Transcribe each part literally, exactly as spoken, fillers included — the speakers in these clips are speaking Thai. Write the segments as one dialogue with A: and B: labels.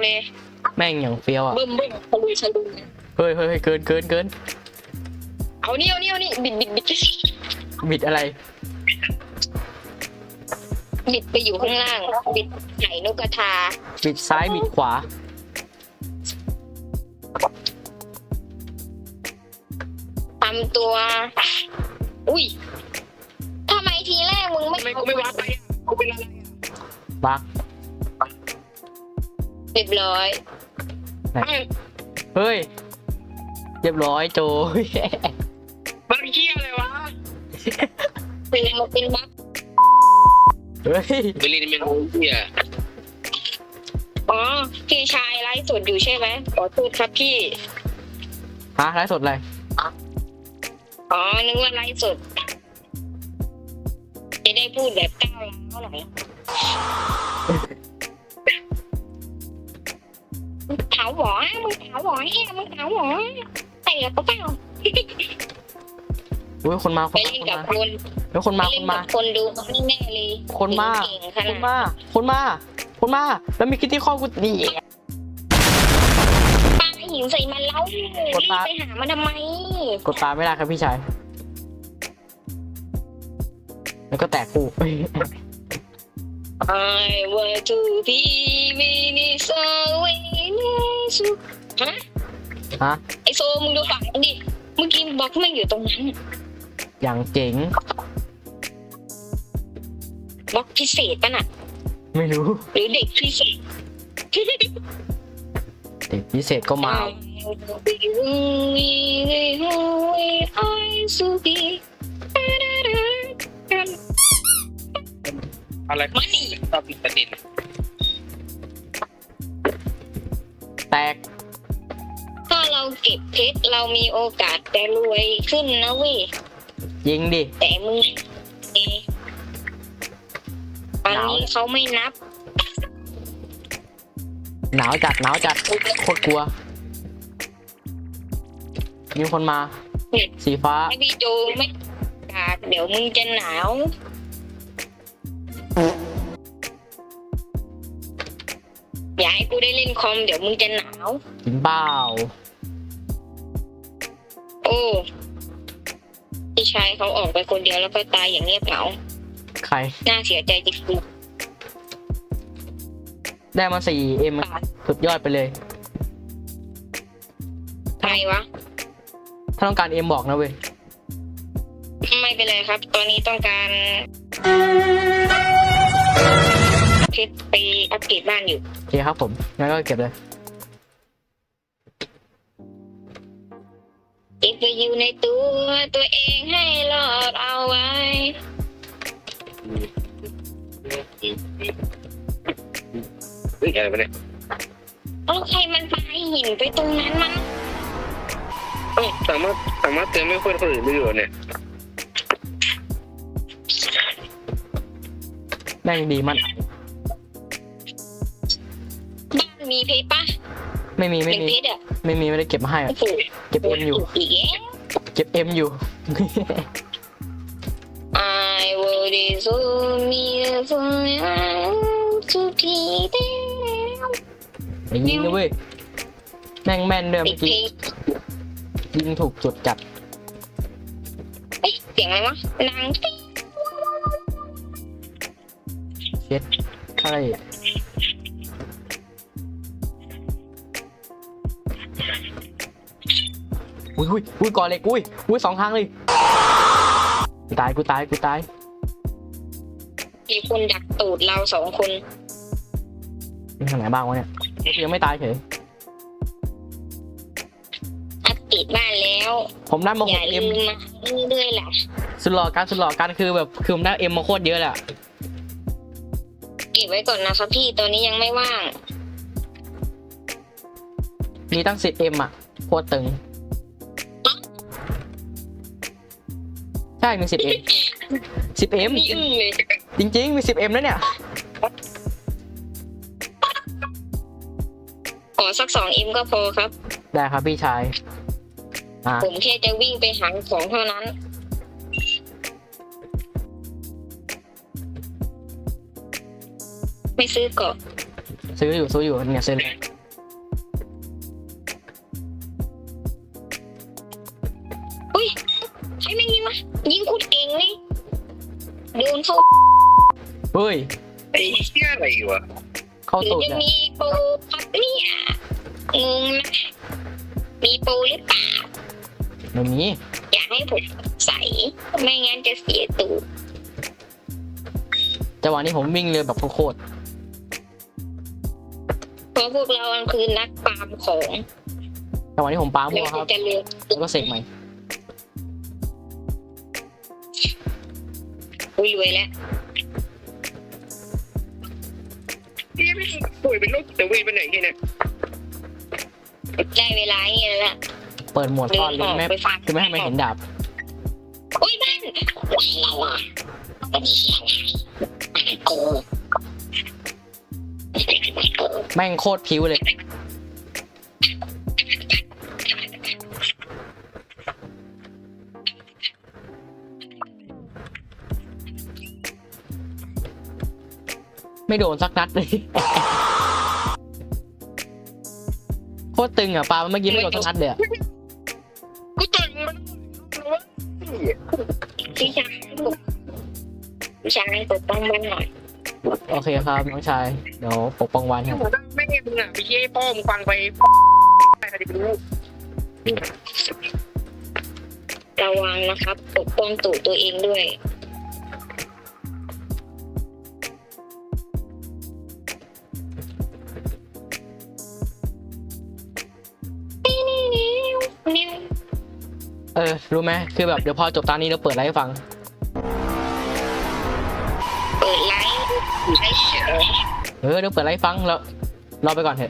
A: เลย
B: แม่งอย่างเฟี้ยวอ่ะ
A: บึ้มบึ้มทะลุทะลุ
B: เฮ้ยเฮ้ยเฮ้ยเกินเกินเกิน
A: เอานี่เอานี่เอานี่บิดบิดบิด
B: บิดอะไร
A: บิดไปอยู่ข้างล่างบิดไห่นกกระทา
B: บิดซ้ายบิดขวา
A: ทำตัว อุ้ยทำไมทีแรกมึงไม่
C: ทำไมกูไม่วัดไปอ่ะกูเป็นอะไรอ่ะ
B: บัก
A: เรียบร้อย
B: เฮ้ย เรียบร้อยโจ
C: มันเหี้ยอะไรวะ
A: เป็นมาเป็นบั๊ก
B: เฮ้ย
C: เบลินเป็นเหี้ย
A: อ๋อพี่ชายไลฟ์สดอยู่ใช่ไหมขอโทษครับพี่
B: ฮะไลฟ์สดอะไร
A: อ๋อนึกว่าไลฟ์สดจะได้พูดแบบก้าวร้าวหน่อยมึงขาวหวอมึงขาวหวอแฮ่มึงขาวหวอแต่ก็เปล่า
B: อุ้ยคนมาค
A: ไป
B: น
A: เล่น
B: มา
A: กับคน
B: แล้วคน
A: ไป
B: มาค
A: เล่น
B: นมา
A: กับคนดูไม่แน่เลย
B: คนมา
A: เก่งข
B: ค
A: นาด
B: นมา คนมา คนมา แล้วมีคิตตี้ข้อกูดี
A: ปาหินใส่มันแล้วรีบไปหามันทำไม
B: กดตามไม่ได้ครับพี่ชาย แล้วก็แตกคู่
A: I want to be with so w ฮะ
B: ฮะ
A: ไอโซมึงดูฝั่งมันดิเมื่อกี้บล็อกแม่งอยู่ตรงนั้น
B: อย่างเจ๋ง
A: บล็อกพิเศษป่ะน่ะ
B: ไม่รู้
A: หรือเด็กพิเศษ
B: เด็กพิเศษก็มา
C: อะไร
A: มานี่
C: ตอบผิดประเด็น
B: แตก
A: ถ้าเราเก็บเพชรเรามีโอกาสแต่รวยขึ้นนะเว้ย
B: ยิงดิ
A: แต่มึงเอตอนนี้เขาไม่นับ
B: หนาวจัด หนาวจัด โคตรกลัว มีคนมา สีฟ้า
A: ถ้าพี่โจไม่กาดเดี๋ยวมึงจะหนาว อย่าให้กูได้เล่นคอมเดี๋ยวมึงจะหนาว
B: กินเปล่า
A: โอ้พี่ชายเขาออกไปคนเดียวแล้วก็ตายอย่างเงียบเหงา
B: ใคร
A: น่าเสียใจจริง
B: ได้มาสี่เอ็มสุดยอดไปเลย
A: ๆใครวะ
B: ถ้าต้องการเอ็มบอกนะเว้ย
A: ไม่เป็นไรครับ ตอนนี้ต้องการเพชรไปอัปเกรดบ้านอยู่
B: โอเคครับผม งั้นก็เก็บเลย
A: เก็บไปอยู่ในตัวตัวเองให้รอดเอาไว้
C: เฮ้ยอะไรวะเนี่ย
A: แล้วใครมันปาหินไปตรงนั้นมัน
C: เอ้าสามารถสามารถเตือนไม่คนคนอื่นได้อยู่เนี่ย
B: แม่งดีมัน
A: บ้านมีเพชรปะ
B: ไม่มีไม่
A: เป็น
B: มี
A: เพชรอ่ะ
B: ไม่มีไม่ได้เก็บมาให้อะ
A: โอ้โห
B: เก็บเอ็มอยู่
A: อีกแล้ว
B: เก็บเอ็มอยู่
A: I would so me so to be there
B: ไอ้ยิงนะเว้ย แม่งแม่นด้วย
A: ติ
B: เมื่
A: ด
B: อ
A: เพ
B: กี้
A: ชร
B: ยิงถูกจุดจัด
A: เอ้ยเสียงอะไรวะนางติ๊ง
B: เช็ดอะไรอุ้ยอุ้ยอุ้ยก่อนเลยอุ้ยอุ้ยสองทางเลยกูตายกูตายกูตาย
A: มีคนดักตูดเราสองคน
B: มีทางไหนบ้างวะเนี่ยกูยังไม่ตายเฉย
A: อัปเกรดบ้านแล้ว
B: ผมได้มา
A: อ
B: ห
A: ย่าก
B: เอ็
A: ลื
B: ม
A: มมาเรื่อยๆแหละ
B: สุดหล่อการสุดหล่อการคือแบบคือผมได้เอ็มมาโคตรเยอะแหละ
A: เก็บไว้ก่อนนะครับพี่ตอนนี้ยังไม่ว่าง
B: มีตั้งสิบเอ็มอ่ะโคตรตึง ใช่มีสิบเอ็มสิบเอ็ม
A: นี่อึ้งเลย
B: จริงๆมีสิบเอ็มแล้วเนี่ย
A: ขอสักสองเอ็มก็พอครับ
B: ได้ครับพี่ชายอ่า
A: ผมแค่จะวิ่งไปหาของเท่านั้น ไม่ซื้อเกาะ
B: ซื้ออยู่ซื้ออยู่เนี่ยซื้อเลย
A: วะยิงคุดเก่งเลยโดนเข้า
B: เฮ้ย
C: ไอ้เหี้ยอะไรวะ
B: เข้า
A: หรื
B: ตู
A: อ
B: ด
A: จะ
B: เลย
A: มีโปรครับเนี่ยงงนะมีโปรหรือเปล่า
B: ไม่มี
A: อยากให้ผมใส่ไม่งั้นจะเสียตูด
B: จังหวะนี้ผมวิ่งเร็วแบบโคตร
A: เพราะพวกเรามันคือนักปาล์มของ
B: ๆจังหวะนี้ผมปา
A: แล้
B: มั่
A: ว
B: วค
A: ก็
B: รับ
A: จะเลือก
B: แล้วก็เสกใหม่
A: อุ้ยรวยแล้ว
C: เหี้ยไม่ป่วยเป็นโรคแต่เวทไปไหนที่เนี่ย
A: ได้เวลาอย่างนี้แล้ว
B: เปิดโหมด
A: เดิ
B: ซ่อน
A: น
B: เล
A: อย อก
B: ไม่
A: ไปฟัง
B: คือไม่ให้มันเห็นดาบ
A: อุ้ยบ้านว้าวว้าวเป็นเหี้ยอะไรกู
B: แม่งโคตรผิวเลย ไม่โดนสักนัดเลย โคตรตึงอ่ะปลาเมื่อกี้ไม่โดนสักนัดเลยอะ
C: กูต่อยมันวะ
A: พี่ชายพี่ชายปกป้องมันหน่อย
B: โอเคครับน้องชาย เดี๋ยวปกป้องวันครับ
C: แม่มึงอ่ะไปเชี่ยพ่อมึงฟังไปใครจะไปรู้
A: ระวังนะครับ ปกป้องตูดตัวเองด้วยนิ้ว
B: เออ รู้ไหมคือแบบเดี๋ยวพอจบตอนนี้เราเปิดไลฟ์ให้ฟัง
A: เปิดไลฟ์ไลฟ์เฉย
B: เออเดี๋ยวเปิดไลฟ์ฟังแล้วรอไปก่อนเถอะ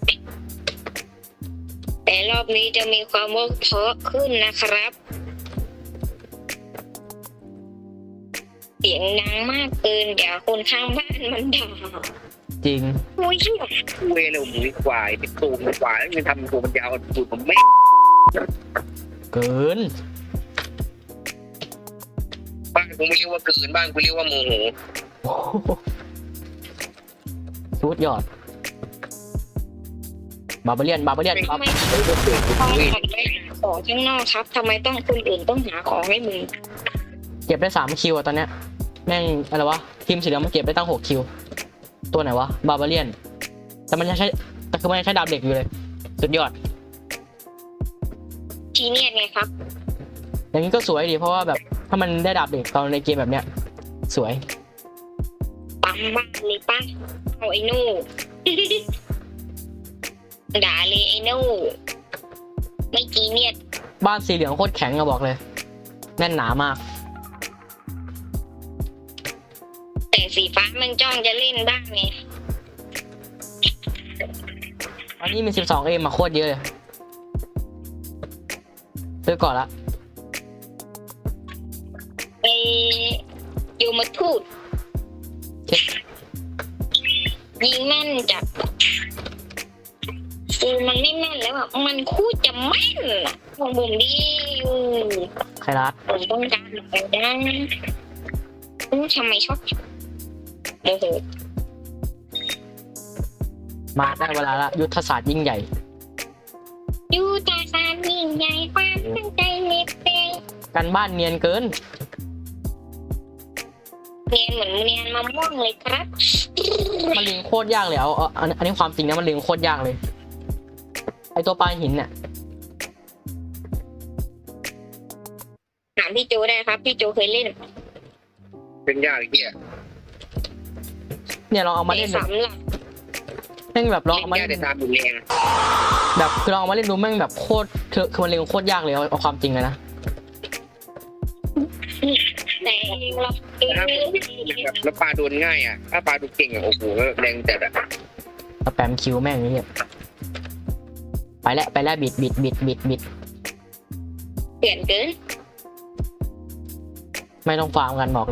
A: แต่รอบนี้จะมีความว่าเพราะขึ้นนะครับ เสียงดังมากเกินเดี๋ยวคนข้างบ้านมันด่า
B: จริง
A: โอ้ย
C: เวรเลยหมูควายเป็นตูมควายแล้วมันทำตัวมันยาวตูดผมแม่
B: เกิน
C: บ้านกูไม่เรียกว่าเกินบ้านกูเรียกว่าโมโห
B: โอ้โหสุดยอด บาบาเลียน บาบาเลียนบา
A: ทำไมต้องออกไปขอข้างนอกครับทำไมต้องคนอื่นต้องหาของให้มึง
B: เก็บได้สามคิวอะตอนเนี้ย แม่งอะไรวะ ทีมสีเหลืองมันเก็บได้ตั้งหกคิว ตัวไหนวะ บาบาเลียน แต่มันยังใช้ แต่คือมันยังใช้ดาบเหล็กอยู่เลย สุดยอด
A: ทีเนียนไงครับ
B: อย่างนี้ก็สวยดี เพราะว่าแบบถ้ามันได้ดาบเหล็กตอนในเกมแบบเนี้ย สวย
A: ปั๊มบ้านเลยป้าเอาไอ้นู่ ด่าเลยไอ้นู่ไม่จีเนียน
B: บ้านสีเหลืองโคตรแข็งอะบอกเลย แน่นหนามาก
A: แต่สีฟ้ามันจ้องจะเล่นบ้างไง
B: อันนี้มีสิบสองเอมาโคตรเยอะเลยซื้อก่อนละ
A: ไอ้โยมทูต
B: เช็ค
A: ยิงแม่นจับคือมันไม่แม่นแล้วอ่ะมันคู่จะแม่นอ่ะของผมดิอยู่
B: ใครรัด
A: ผมต้องการไปได้อืมทำไมชอบโมโห
B: มาได้เวลาละยุทธศาสตร์ยิ่งใหญ่
A: ยูตาซานยิ่งใหญ่ความตั้งใจเล็กเอง
B: กันบ้านเนียนเกิน
A: เนียนเหมือนเนียนมะม่วงเลยครับ
B: มันเลี้ยงโคตรยากเลยเอาเอาอันอันนี้ความจริงนะมันเลี้ยงโคตรยากเลย ไอตัวปลาหินเนี่ย
A: ถามพี่โจได้ครับ พี่โจเคยเล่น
C: เป็นยากไอ้เหี้ย
B: เนี่ยลองเอามา
A: ใน
B: เล่นดู
A: สำหรับ
B: แม่งแบบลอง
C: เล่
B: เอา
C: น
B: มาย
C: าก
B: เล่
C: แต่
B: น
C: ตามอยู่แรง
B: แบบคือลองเอามาเล่นดูแม่งแบบโคตรเธอคือมันเลี้ยงโคตรยากเลยเอาเอาความจริงเลยนะ
A: แต่เราเอง
C: แบบแล้วปลาโดนง่ายอ่ะถ้าปลาโดนเก่งอ่ะโอ้โหแรงจัดอ่ะ
B: สแปมคิวแม่งนี่เนี่ยไปแล้วไปแล้วบิดบิดบิดบิดบิด
A: เปลี่ยนเกิน
B: ไม่ต้องฟาร์มกันบอกเลย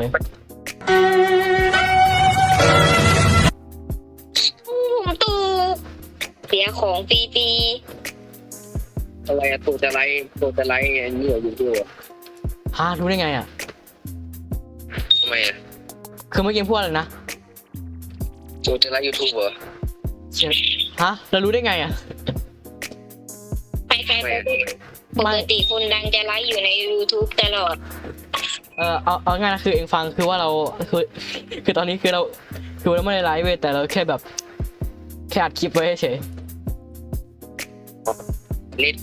A: ผมตูเสียของฟรี
C: อะไรอะตัวจะไรตัวจะไรอันนี้อยู่ด้วย
B: ฮะรู้ได้ไงอ่ะ
C: ทำไมอ่ะ
B: คือเมื่อกี้พูดอะไรนะ
C: ตัวจะไรยูทูบเหรอ
B: ฮะเรารู้ได้ไงอ่ะ
A: ๆไปใครไปปกติคุณดังจะไลฟ์อยู่ใน YouTube ตลอด
B: เออเอาเอาง่ายนะคือเองฟังคือว่าเราคือคือตอนนี้คือเราคือเราไม่ได้ไลฟ์เว้ยแต่เราแค่แบบแค่อัดคลิปไว้เฉย
C: เล็ด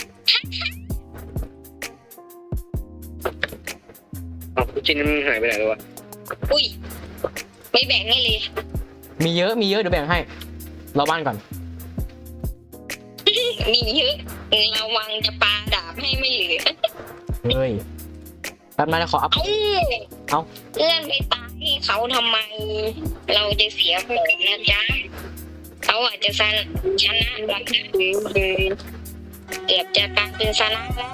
C: เอาชิ้นนี้มันหายไปไหนแล้ววะ
A: อุ้ย ไม่แบ่งให้เลย
B: มีเยอะมีเยอะเดี๋ยวแบ่งให้เราบ้านก่อน
A: มีเยอะระวังจะปาดาบให้ไม่เหลือ
B: เฮ้ยแป๊บนึงนะขออัพ
A: เอ้า
B: เอ้า
A: เลื่อนไปตายให้เขาทำไม เราจะเสียผลนะจ๊ะเขาอาจจะชนะชนะเราเกือบจะกลายเป็นชนะแล้ว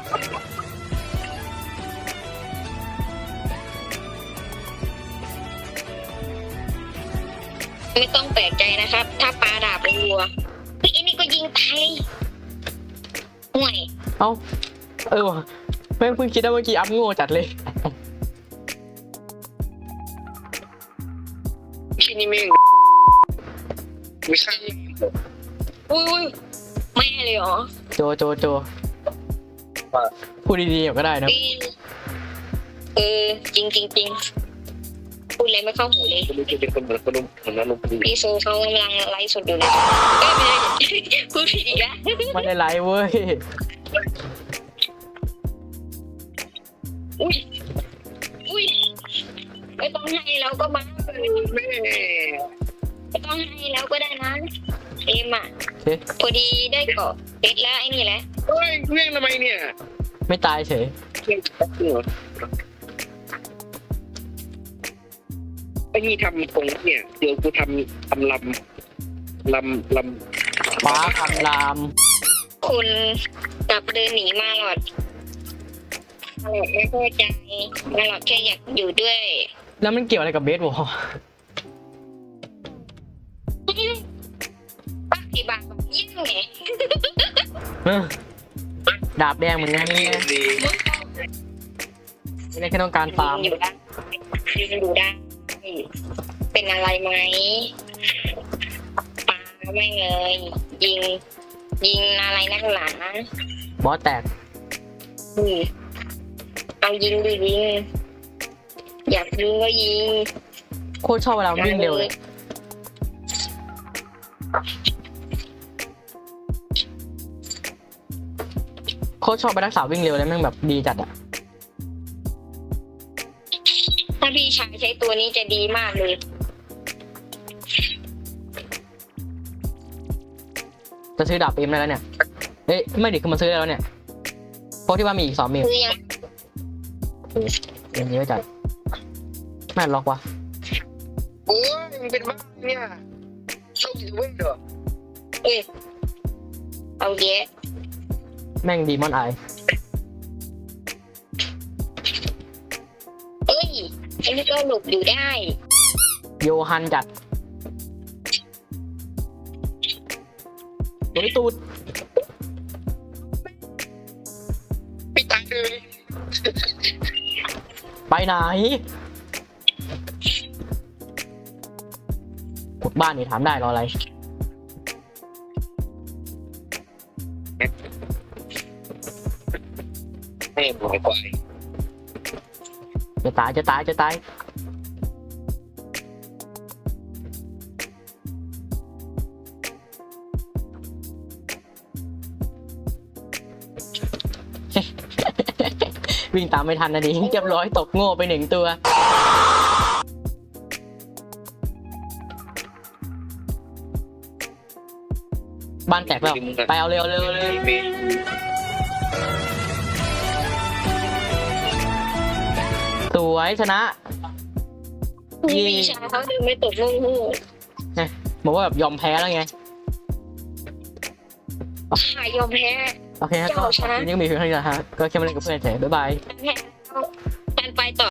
A: ไม่ต้องแปลกใจนะครับ ถ้าปาดาบรัวเฮ้ยอันนี้ก็ยิงตายห่วย
B: เอ้าเออว่ะแม่งเพิ่งคิดได้เมื่อกี้อัพโง่จัดเลย
C: ชิ้นนี้แม่งไม่ใช่
A: อุ้ยอุ้ยแม่เลยเหรอ
B: โจโจโจพูดดีๆก็ได้นะ
A: เออเออจริงจริงจริงพูดอะไรไม่เข้าหูเลย
C: ไม่รู้จะเป็นคนเหมือนคนเหมือนอารมณ์ดี
A: พี่โซเขากำลังไลฟ์สดอยู่เลยเอ้ยไม่ได้พูดผิดอีกแล้ว
B: ไม่ได้ไลฟ์เว้ย
A: อุ้ยอุ้ยไม่ต้องให้แล้วก็มา
C: แม่
A: ไม่ต้องให้แล้วก็ได้นะเอ็มอ่ะ
B: โอเค
A: พอดีได้เกาะเด็ดแล้วไอ้นี่แหละ
C: เฮ้ยเรื่องทำไมเนี่ย
B: ไม่ตายเฉย
C: เรื่องแป๊บนึงเหรอไอ้นี่ทำตรงเนี่ยเดี๋ยวกูทำทำลำลำล
B: ฟ้าคำราม
A: คุณกลับเดินหนีมาหรอดมาหลอดไม่เข้าใจมาหลอดแค่อยากอยู่ด้วย
B: แล้วมันเกี่ยวอะไรกับเบสบอล
A: ปักกี่บาทแบบยิ่งไง
B: เออดาบแดงเหมือนกัน
C: ำ
B: นี่
C: ดี
B: ไม่ได้แค่ต้องการฟาร์ม
A: อยู่ได้ยืนอยู่ได้ เป็นอะไรไหมปาไม่เลย ยิง ยิงอะไรนักหนา
B: บอสแตก
A: อืมเอายิงดิยิง อยากยิงก็ยิง
B: โคตรชอบเวลาวิ่งเร็วเลยโคตรชอบไปรักษาวิ่งเร็วเลยแม่งแบบดีจัดอะ
A: ถ้าพี่ชายใช้ตัวนี้จะดีมากเลย
B: จะซื้อดาบเอ็มได้แล้วเนี่ยเอ้ยไม่ดิคือมันซื้อได้แล้วเนี่ยเพราะที่ว่ามีอีกสองมิล
A: คือยัง
B: อย่างนี้ไว้จัดแม่งล็อกวะ
C: โอ้ยมึงเป็นบ้าเนี่ยชอบอยู่เว้ยเหรอ
A: เอ้ยเอาเยอะ
B: แม่งดีมอนไอ
A: เอ้ยอันนี้ก็หลบอยู่ได้
B: โยฮันจัดโดยตูด
C: พี่ตายเลย
B: ไปไหนกดบ้านนี่ถามได้รออะไร
C: แม่หมอยควาย
B: จะตายจะตายจะตาย วิ่งตามไม่ทันนะดิเรียบร้อยตกโง่ไปหนึ่งตัว บ้านแตกแล้ว ไปเอาเร็วเร็วเร็ว
C: เมย์
B: สวยชนะ
A: นี่พี่ชายเขาดึงไม่ตกลูกหู
B: บอกว่าแบบยอมแพ้แล้วไง
A: หายยอมแพ้
B: โอเคฮะก็
A: เจ้าชนะ
B: ยังมีเพียงเท่านี้นะฮะ ก็แค่มาเล่นกับเพื่อนเฉยบ๊ายบาย
A: แพ้แล้วการไปต่อ